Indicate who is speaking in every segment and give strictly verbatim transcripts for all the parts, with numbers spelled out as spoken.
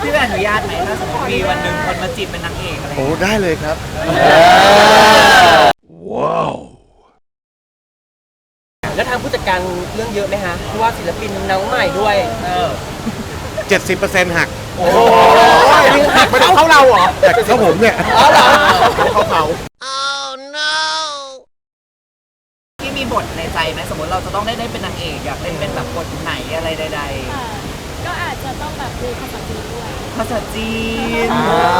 Speaker 1: พี่แบนอนุญาตไหมถ้าสมมติมีวันหนึ่งคนมาจีบเป็นนางเอกอะไร
Speaker 2: โอ้ได้เลยครับว้าว
Speaker 3: แล้วทางผู้จัดการเรื่องเยอะไหมฮะเพราะว่าศิลปินน้องใหม่ด้วยเออ
Speaker 2: เจ็ดสิบเปอร์เซ็นต์ หัก
Speaker 3: โอ้โหหักไม่ได้เข้าเราเหรอ
Speaker 2: แต่เข้าผมเนี่ย
Speaker 3: อ๋อเหรอ
Speaker 2: เขาเขา
Speaker 1: ที่มีบทในใจไหมสมมติเราจะต้องได้ได้เป็นนางเอกอยากเล่นเป็นแบบบทไหนอะไรใด
Speaker 4: ๆก็อาจจะต้องแบบดูภาษาจีนด้วย
Speaker 1: ภาษาจีน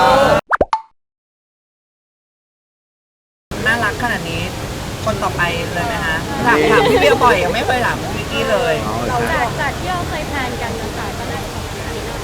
Speaker 1: น่ารักขนาดนี้คนต่อไปเลยไหมฮะถามถามพี่เบียร์บ่อยยังไม่เคยถามวิกกี้เลย
Speaker 4: จากจากที่เราเคยแพลนกันนะคะก็น่าจะประมาณนี้เนาะ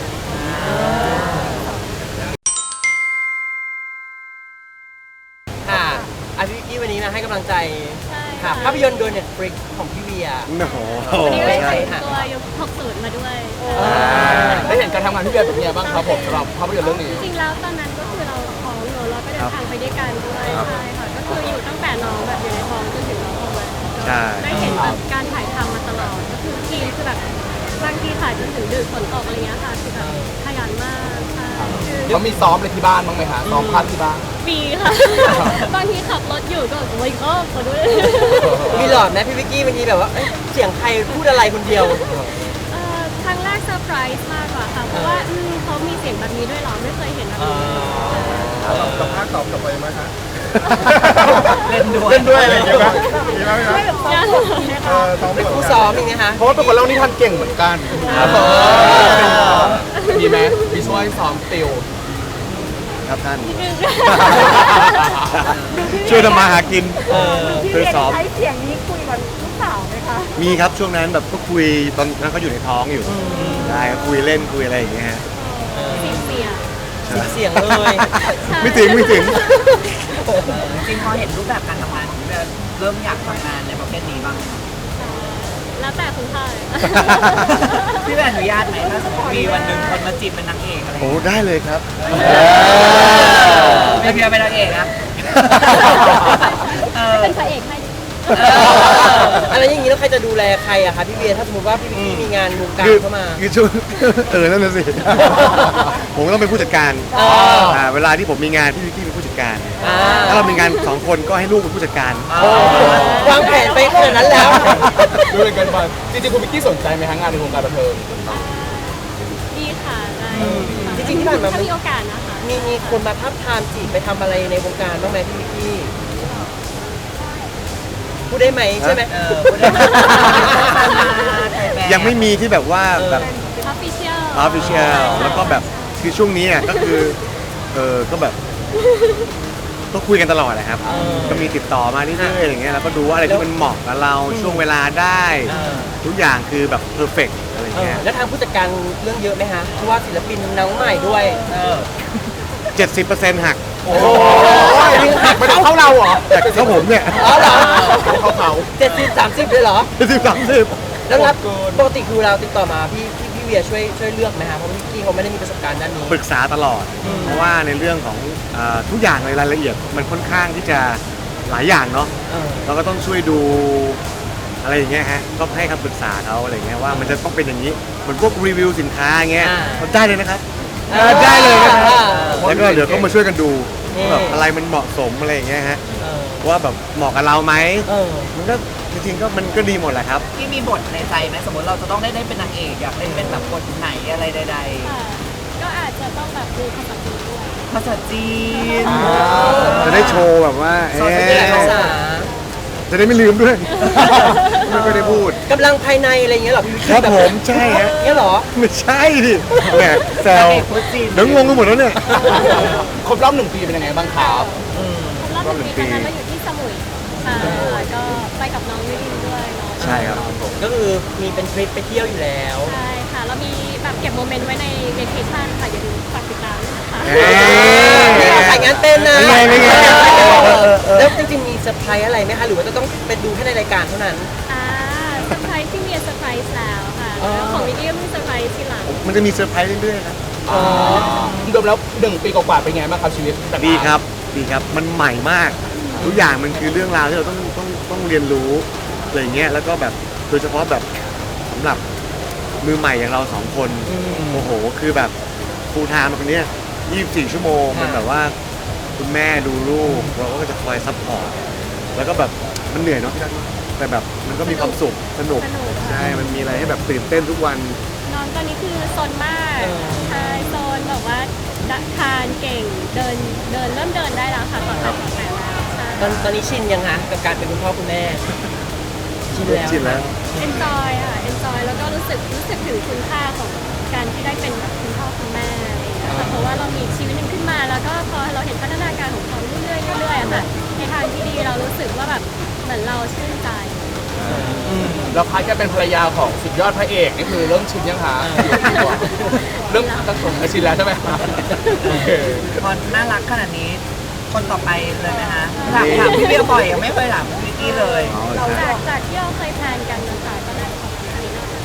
Speaker 3: ค่ะอาทิตย์กี้วันนี้มาให้กำลังใจค่ะภาพยนตร์โดย Netflix ของพี่เวีย
Speaker 2: โอ้โห
Speaker 4: วันนี้ได้ใส่ตัวยุคหกสิบมาด้วย
Speaker 3: ได้เห็นการทำงานพี่เวียเป็นไงบ้างครับผมสำหรับภาพยนตร์เรื่องนี้
Speaker 4: จริงๆแล้วตอนนั้นก็คือเราท้องอยู่เราก็เดินทางไปด้วยกันด้วยใช่ค่ะก็คืออยู่ตั้งแต่น้องแบบอยู่ในท้องจนถึงน้องออกมาได้เห็นแบบการถ่ายทำมาตลอดก็คือทีมคือแบบบางทีถ่ายจนถึงดึกฝนตกอะไรเงี้ยค่ะคือแบบขยันมากใช่
Speaker 3: เขามีซ้อมอะไรที่บ้านบ้างไหมคะซ้อมพัดที่บ้าน
Speaker 4: มีค่ะบางทีขับรถอยู่ก็โอ้ยก็ขอด้วย
Speaker 3: มีหลอดไหมพี่วิกกี้บางทีแบบว่าเสียงใครพูดอะไรคนเดียว
Speaker 4: ครั้งแรกเซอร์ไพรส์มากกว่าค่ะเพราะว่าเขามีเสียงแบบนี้ด้วยหรอไม่เคยเห็นแบบนี้
Speaker 2: กับภาคตอบกลับไปไหมคะ
Speaker 1: เล่นด้วย
Speaker 2: เล่นด้วยอะไรอย่างเงี้ยครับมีไหมครับ
Speaker 3: เป็นผู้ซ้อมอย่างเงี้ยฮะ
Speaker 2: เพราะว่าเป็นคนเล่านิทานเก่งเหมือนกัน
Speaker 3: มีไหมมีช่วยซ้อมติว
Speaker 2: ครับท่านช่วยทำมาหากินช่วยซ้อม
Speaker 5: ใช้เสียงนี้คุยกับลูกสาวไหมคะ
Speaker 2: มีครับช่วงนั้นแบบก็คุยตอนนั้นเขาอยู่ในท้องอยู่ได้ก็คุยเล่นคุยอะไรอย่างเงี้ยฮะ
Speaker 4: เสียง
Speaker 3: เสียงเลย
Speaker 2: ไม่ถึงไม่ถึง
Speaker 1: จริงพอเห็นรูปแบบการทำงานของพี่แบนเริ่มอยากทำงานในประเภทนี้บ้าง
Speaker 4: แล้วแต่คุณพ่อเลย
Speaker 1: พี่แบนอนุญาตไหมถ้าสมมติมีวันหนึ่งคนมาจีบเป็นนางเอกอะไร
Speaker 2: โอ้ได้เลยครับ
Speaker 1: ไม่เพียงเป็นนางเอกนะ
Speaker 4: เป็นพระเอกให้
Speaker 3: อะไรอย่างนี้แล้วใครจะดูแลใครอะคะพี่เบียร์ถ้าสมมติว่าพี่วิกกี้มีงานวงการเข้ามา
Speaker 2: คือช่วงเออนั่นน่ะสิผมต้องเป็นผู้จัดการเวลาที่ผมมีงานพี่วิกกี้เป็นผู้จัดการถ้าเรามีงานสองคนก็ให้ลูกเป็นผู้จัดการ
Speaker 3: วางแผนไปขนาดนั้นแล้ว
Speaker 2: ดูเป็นกันมาจริงๆคุณวิกกี้สนใจไหมฮะงานในวงการบันเทิง
Speaker 4: ดีค่ะได้
Speaker 3: จริงๆที่ผ่านมา
Speaker 4: มีโอกาสนะคะ
Speaker 3: มีมีคนมาทับทามจีบไปทำอะไรในวงการบ้างไหมพี่วิกกี้พูดได้ไหมใช่ไหม
Speaker 2: ยังไม่มีที่แบบว่าแบบ
Speaker 4: official
Speaker 2: official แล้วก็แบบคือช่วงนี้อ่ะก็คือเออก็แบบก็คุยกันตลอดนะครับก็มีติดต่อมาเรื่อยๆอย่างเงี้ยแล้วก็ดูว่าอะไรที่มันเหมาะกับเราช่วงเวลาได้ทุกอย่างคือแบบเพอร์เฟกต์อะไรเงี้ย
Speaker 3: แล้วทางผู้จัดการเรื่องเยอะไหมฮะเพราะว่าศิลปินน้องใหม่ด้วย
Speaker 2: เจ็ดสิบเปอร์เซ็นต์ หัก
Speaker 3: โอ้หักไม่ได้เข้าเราเหรอ
Speaker 2: แต่เข้าผมเนี่ย
Speaker 3: อ๋อเหรอ
Speaker 2: เขาเขา
Speaker 3: เจ็ดสิบสามสิบเลยเหรอ
Speaker 2: เจ็ดสิบสามสิบ
Speaker 3: แล้วรับปกติคือเราติดต่อมาพี่พี่พี่เวียช่วยช่วยเลือกไหมฮะเพราะพี่กี้เขาไม่ได้มีประสบการณ์ด้านนี้
Speaker 2: ปรึกษาตลอดเพราะว่าในเรื่องของทุกอย่างในรายละเอียดมันค่อนข้างที่จะหลายอย่างเนาะเราก็ต้องช่วยดูอะไรอย่างเงี้ยฮะก็ให้คำปรึกษาเขาอะไรเงี้ยว่ามันจะต้องเป็นอย่างนี้เหมือนพวกรีวิวสินค้าเงี้ยได้เลยนะครับได้เลยนะครับแล้วก็เดี๋ยวก็มาช่วยกันดูแบบอะไรมันเหมาะสมอะไรอย่างเงี้ยฮะว่าแบบเหมาะกับเราไหมมันก็จริงๆก็มันก็ดีหมดแหละครับ
Speaker 1: ที่มีบทในใจไหมสมมติเราจะต้องได้ได้เป็นนางเอกอยากเล่นเป็นแบบบทไหนอะไรใด
Speaker 4: ๆก็อาจจะต้องแบบดูภาษาจีนด้วย
Speaker 1: ภาษาจีน
Speaker 2: จะได้โชว์แบบว่าเอ๊ะจะได้ไม่ลืมด้วยไม่ได้พูด
Speaker 3: กำลังภายในอะไรอย่างเงี้ยหรอพี่
Speaker 2: ครับผมใช่ฮะ
Speaker 3: เงี้ยหรอ
Speaker 2: ไม่ใช่ดิแหมแซวเดี๋ยวงงกันหมดแล้วเนี่ยครบรอบหนึ่งปีเป็นยังไงบ้างครับ
Speaker 4: ครบรอบหนึ่งปีตอนนั้นเราอยู่ที่สมุยค่ะก็ไปกับน้องวิรินด้วยเนาะ
Speaker 2: ใช่ครับ
Speaker 3: ก็คือมีเป็นทริปไปเที่ยวอยู่แล้ว
Speaker 4: ใช่ค่ะเรามีแบบเก็บโมเมนต์ไว้ในเวเคชั่นค่ะอย่าลืมฝากติดตามนะคะ
Speaker 3: นี่เราถ่ายงานเป็นนะแล้วจริงๆมีเซอร์ไพรส์อะไรไหมคะหรือว่าจะต้องไปดูแค่ในรายการเท่านั้น
Speaker 4: อ่าเซอร์ไพรส์ที่มีเซอร์ไพรส์แล้วค่ะแล้วของวิกกี้ก็มีเซอร์ไพรส์ทีหลัง
Speaker 2: มันจะมีเซอร์ไพรส์เรื่อยๆครับ
Speaker 3: อ๋อรวมแล้วหนึ่งปีกว่าๆเป็นไงบ้างครับชีวิต
Speaker 2: ดีครับดีครับมันใหม่มากทุกอย่างมันคือเรื่องราวที่เราต้องต้องต้องเรียนรู้อะไรเงี้ยแล้วก็แบบโดยเฉพาะแบบสำหรับมือใหม่อย่างเราสองคนโอ้โหคือแบบฟูลไทม์คนเนี้ยยี่สิบสี่ชั่วโมงมันแบบว่าคุณแม่ดูลูกเราก็จะคอยซัพพอร์ตแล้วก็แบบมันเหนื่อยเนาะแต่แบบมันก็มีความสุขสนุก
Speaker 4: สนุก
Speaker 2: ใช่มันมีอะไรให้แบบตื่นเต้นทุกวัน
Speaker 4: น้องตอนนี้คือซนมากใช่ซนแบบว่าทานเก่งเดินเดินเริ่มเดินได้แล้วค่ะตอนแรกตอนแรกแล้วใช่
Speaker 3: ตอนตอนนี้ชินยังคะกับการเป็นคุณพ่อคุณแม่ ชินแล้ว
Speaker 2: ชินแล้ว
Speaker 4: เอนจอยค่ะเอนจอยแล้วก็รู้สึกรู้สึกถึงคุณค่าของการที่ได้เป็นแบบคุณพ่อคุณแม่อะไรอย่างเงี้ยค่ะเพราะว่าเรามีชีวิตหนึ่งขึ้นมาแล้วก็พอเราเห็นพัฒนาการของเขาเรื่อยๆเรื่อยๆอะค่ะในทางที่ดีเรารู้สึกว่าแบบเหมือนเราชื่นใจ
Speaker 6: แล้วพัดจะเป็นภรรยาของสุดยอดพระเอกนี่คือเริ่มชินยังคะเริ่มตั้งตัวชินแล้วใช่ไหมคะโอเค
Speaker 1: พอน่ารักขนาดนี้ คนต่อไปเลยไหมคะถามถามพี่เบียร์บ่อยยังไม่เคยถามพี่วิกกี้เลย
Speaker 2: อ๋อใช่
Speaker 4: จากจากที่เราเคยแพลนกันนะคะก็น่าจะของอันนี้น่าจะ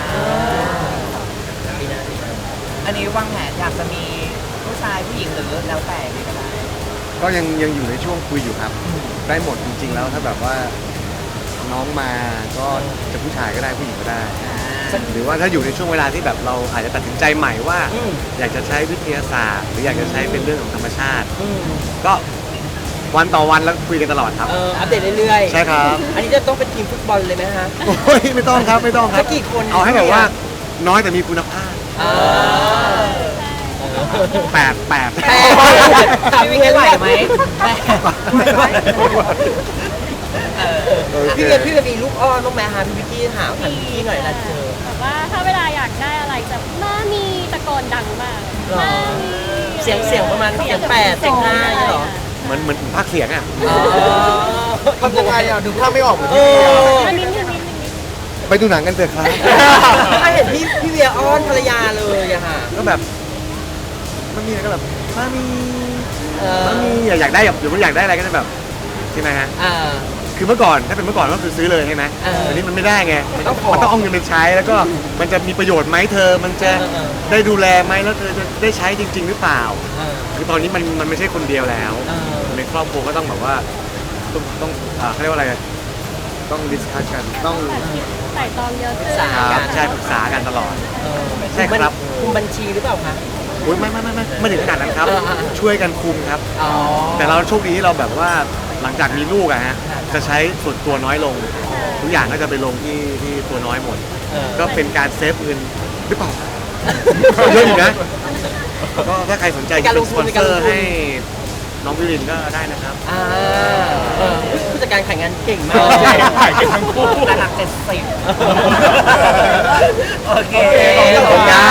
Speaker 1: อันนี้วางแผนอยากจะมีผู้ชายผู้หญิงหรือแล้วแต่ดีก็ได้
Speaker 2: ก็ยังยังอยู่ในช่วงคุยอยู่ครับ ได้หมดจริงๆแล้วถ้าแบบว่าน้องมาก็จะผู้ชายก็ได้ผู้หญิงก็ได้ หรือว่าถ้าอยู่ในช่วงเวลาที่แบบเราอาจจะตัดสินใจใหม่ว่า
Speaker 3: อืม
Speaker 2: อยากจะใช้วิทยาศาสตร์ หรืออยากจะใช้เป็นเรื่องของธรรมชาติ
Speaker 3: อืม
Speaker 2: ก็วันต่อวันแล้วคุยกันตลอดครับ
Speaker 3: เอออัปเดตเรื่อยๆ
Speaker 2: ใช่ครับ
Speaker 3: อันนี้จะต้องเป็นทีมฟุตบอลเลยไหมฮะ
Speaker 2: โอ้ยไม่ต้องครับไม่ต้องครับ
Speaker 3: สักกี่คน
Speaker 2: เอาให้แบบว่าน้อยแต่มีคุณภาพ
Speaker 3: อ่า
Speaker 2: แปดแปด
Speaker 3: แปด
Speaker 1: พี่วิกกี้ไหวไหมแม่เออ
Speaker 2: โอเค
Speaker 3: พี่เวียพี่เวียมีลูกอ้อนบ้างไหมฮะพี่วิกกี้ถามถามพี่กี้หน่อยละเจอ
Speaker 4: แบบว่าถ้าเวลาอยากได้อะไรจะมามีตะโกนดังมาก
Speaker 3: หรอ
Speaker 4: มามี
Speaker 3: เสียงเสียงประมาณเสียงแปดเสียงห้าอย่างเงี้ยเหรอ
Speaker 2: เหมือนเหมือนภาคเสียงอ่ะ
Speaker 3: อ๋อ
Speaker 6: ทำยังไงอ่ะดูภาพไม่ออกเหมือน
Speaker 3: เอ
Speaker 6: ที่
Speaker 3: อ
Speaker 4: มานิดนึงนิดนึงนิดนึง
Speaker 2: ไปดูหนังกันเถอะครับ
Speaker 3: ถ้าเห็นพี่พี่เวียอ้อนภรรยาเลยอะค่ะ
Speaker 2: ก็แบบมันมีอะไรก็แบบมามี
Speaker 3: เออ
Speaker 2: มามีอยากได้แบบหรือว่าอยากได้อะไรก็จะแบบใช่ไหมฮะ
Speaker 3: อ่า
Speaker 2: คือเมื่อก่อนถ้าเป็นเมื่อก่อนก็คือซื้อเลยใช่ไหม
Speaker 3: เออ
Speaker 2: แต่นี้มันไม่ได้ไง
Speaker 3: มันต้องขอ
Speaker 2: มันต้องเอาเงินไปใช้แล้วก็มันจะมีประโยชน์ไหมเธอ มันจะ
Speaker 3: เออเออ
Speaker 2: ได้ดูแลไหมแล้วเธอจะได้ใช้จริง ๆ หรือเปล่า
Speaker 3: เออ
Speaker 2: คือตอนนี้มันมันไม่ใช่คนเดียวแล้ว
Speaker 3: เออ
Speaker 2: ในครอบครัวก็ต้องแบบว่าต้องต้องอ่าเขาเรียกว่าอะไรต้องดิสคัสกันต้อง
Speaker 4: แบบคิดใส่ตองเยอะขึ้น
Speaker 3: สา
Speaker 2: ครับใช่ปรึกษากันตลอด
Speaker 3: เออ
Speaker 2: ใช่ครับ
Speaker 3: คุมบัญชีหรือเปล่าคะ
Speaker 2: โอ้ยไม่ไม่ไม่ไม่ไม่ถึงขนาดนั้นครับ
Speaker 3: เออเออ
Speaker 2: ช่วยกันคุมครับ
Speaker 3: อ๋อ
Speaker 2: แต่เราโชคดีที่เราแบบว่าหลังจากมีลูกอะฮะจะใช้ส่วนตัวน้อยลง ทุกอย่างก็จะไปลงที่ที่ตัวน้อยหมด
Speaker 3: เออ
Speaker 2: ก็เป็นการเซฟเงินหรือเปล่า เยอะอยู่นะก็ถ้าใครสนใจจะเป็นสปอนเซอร์ให้น้องวิรินก็ได้นะครับ
Speaker 3: อ่าเออผู้จัดการขายงานเก่งมา
Speaker 6: เออก ถ่ายกันทั้งคู่
Speaker 1: ระดับเจ็ดสิบโอเค
Speaker 3: ขอบคุณครับ